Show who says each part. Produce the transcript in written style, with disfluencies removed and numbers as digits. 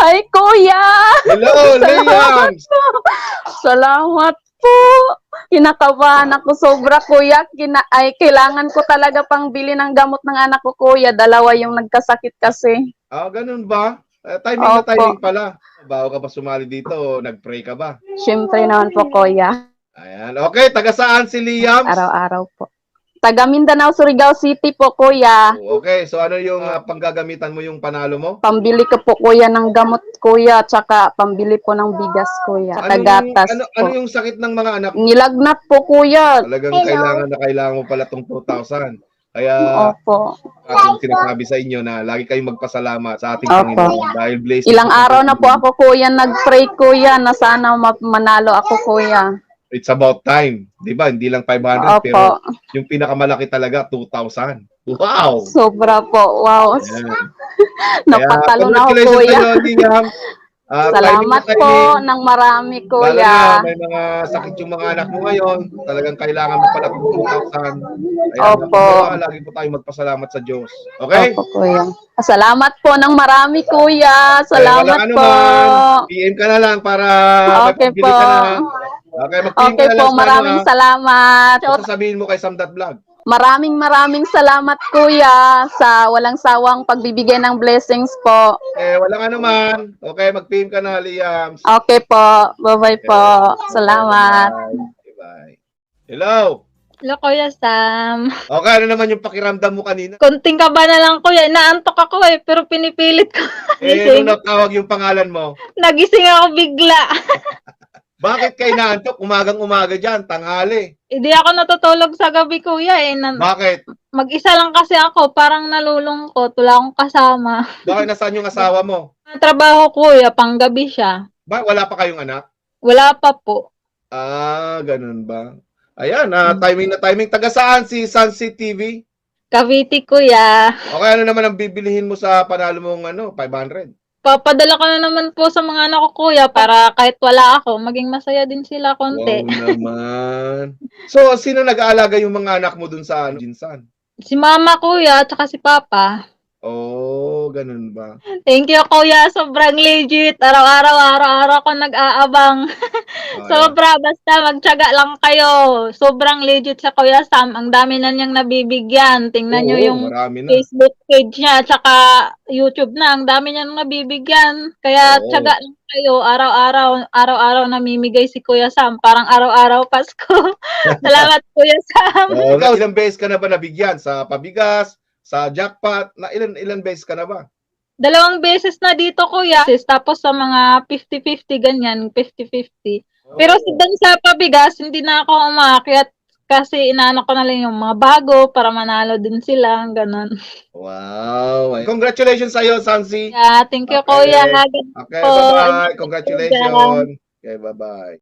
Speaker 1: Hi, Kuya!
Speaker 2: Hello,
Speaker 1: Salamat
Speaker 2: Liams!
Speaker 1: po. Salamat po. Kinakabahan ako sobra, Kuya. Kailangan ko talaga pang bili ng gamot ng anak ko, Kuya. Dalawa yung nagkasakit kasi.
Speaker 2: Ah, ganun ba? Timing na
Speaker 1: Opo.
Speaker 2: timing pala. Bago ka pa sumali dito, nag-pray ka ba?
Speaker 1: Siyempre naman po, Kuya.
Speaker 2: Ayan. Okay, taga saan si Liams?
Speaker 1: Araw-araw po. Taga Mindanao, Surigao City po, Kuya.
Speaker 2: Okay, so ano yung panggagamitan mo yung panalo mo?
Speaker 1: Pambili ko po, Kuya, ng gamot, Kuya. Tsaka pambili po ng bigas, Kuya. Tsaka gatas
Speaker 2: Ano
Speaker 1: po.
Speaker 2: yung sakit ng mga anak mo?
Speaker 1: Nilagnat po, Kuya.
Speaker 2: Talagang kailangan mo pala tong 2,000. Kaya
Speaker 1: Opo.
Speaker 2: ating sinasabi sa inyo na lagi kayong magpasalamat sa ating
Speaker 1: Opo.
Speaker 2: Panginoon dahil blessing.
Speaker 1: Ilang araw na po ako, Kuya, nag-pray, Kuya, na sana manalo ako, Kuya.
Speaker 2: It's about time. Di ba? Hindi lang 500,
Speaker 1: Opo.
Speaker 2: pero yung pinakamalaki talaga, 2,000. Wow!
Speaker 1: Sobra po. Wow.
Speaker 2: Ayan.
Speaker 1: Napatalo na ako,
Speaker 2: Congratulations
Speaker 1: Kuya.
Speaker 2: sa'yo, Liam.
Speaker 1: Salamat po ng marami,
Speaker 2: Lalo
Speaker 1: Kuya.
Speaker 2: na may mga sakit yung mga anak mo ngayon. Talagang kailangan mo pala ng 2,000. Kaya
Speaker 1: Opo.
Speaker 2: lagi po tayo magpasalamat sa Diyos. Okay?
Speaker 1: Opo, Kuya. Salamat po ng marami, Kuya. Salamat
Speaker 2: Walang
Speaker 1: po.
Speaker 2: anuman. PM ka na lang para
Speaker 1: Okay
Speaker 2: magpabili
Speaker 1: po.
Speaker 2: ka na. Okay, mag-PM
Speaker 1: Okay
Speaker 2: ka na
Speaker 1: po,
Speaker 2: lang sa
Speaker 1: maraming
Speaker 2: ano,
Speaker 1: salamat.
Speaker 2: Ano sasabihin mo kay Samdat Vlog?
Speaker 1: Maraming salamat, Kuya, sa walang sawang pagbibigay ng blessings po.
Speaker 2: Walang anuman. Okay, mag-PM ka na, Liam.
Speaker 1: Okay po. Bye-bye po. Salamat.
Speaker 2: Bye. Hello.
Speaker 3: Hello, Kuya Sam.
Speaker 2: Okay, ano naman yung pakiramdam mo kanina?
Speaker 3: Konting kaba na lang, Kuya. Inaantok ako pero pinipilit ko.
Speaker 2: Nung natawag yung pangalan mo,
Speaker 3: Nagising ako bigla.
Speaker 2: bakit kayo naantok? Umagang-umaga dyan, tanghali.
Speaker 3: Hindi ako natutulog sa gabi, Kuya.
Speaker 2: Bakit?
Speaker 3: Mag-isa lang kasi ako. Parang nalulungkot. Wala akong kasama.
Speaker 2: Bakit nasaan yung asawa mo?
Speaker 3: Trabaho, Kuya. Panggabi siya.
Speaker 2: Wala pa kayong anak?
Speaker 3: Wala pa po.
Speaker 2: Ah, ganun ba? Ayan, timing na timing. Taga saan si Sunset TV?
Speaker 3: Cavite, Kuya.
Speaker 2: Okay, ano naman ang bibilihin mo sa panalo mong 500?
Speaker 3: Papadala ko na naman po sa mga anak ko, Kuya, para kahit wala ako, maging masaya din sila konti.
Speaker 2: Wow naman. So, sino nag-aalaga yung mga anak mo dun sa Jinsan?
Speaker 3: Si Mama, Kuya, at saka si Papa.
Speaker 2: Oh, ganun ba?
Speaker 3: Thank you, Kuya. Sobrang legit. Araw-araw ko nag-aabang. Sobra. Basta magtiyaga lang kayo. Sobrang legit sa Kuya Sam. Ang dami na niyang nabibigyan. Tingnan niyo yung Facebook page niya. Tsaka YouTube na. Ang dami niyang nabibigyan. Kaya tiyaga lang kayo. Araw-araw namimigay si Kuya Sam. Parang araw-araw Pasko. Salamat, Kuya Sam.
Speaker 2: Ikaw, ilang beses ka na ba nabigyan? Sa pabigas? Sa jackpot? Ilan beses ka na ba?
Speaker 3: 2 beses na dito, Kuya. Tapos sa mga 50-50, ganyan. 50-50. Pero doon sa pabigas, hindi na ako umaakyat kasi inaano ko na lang yung mga bago para manalo din sila. Ganon.
Speaker 2: Wow. Congratulations sa'yo, Sansi.
Speaker 3: Yeah, thank you, Kuya.
Speaker 2: Okay, bye-bye. Congratulations. Okay, bye-bye.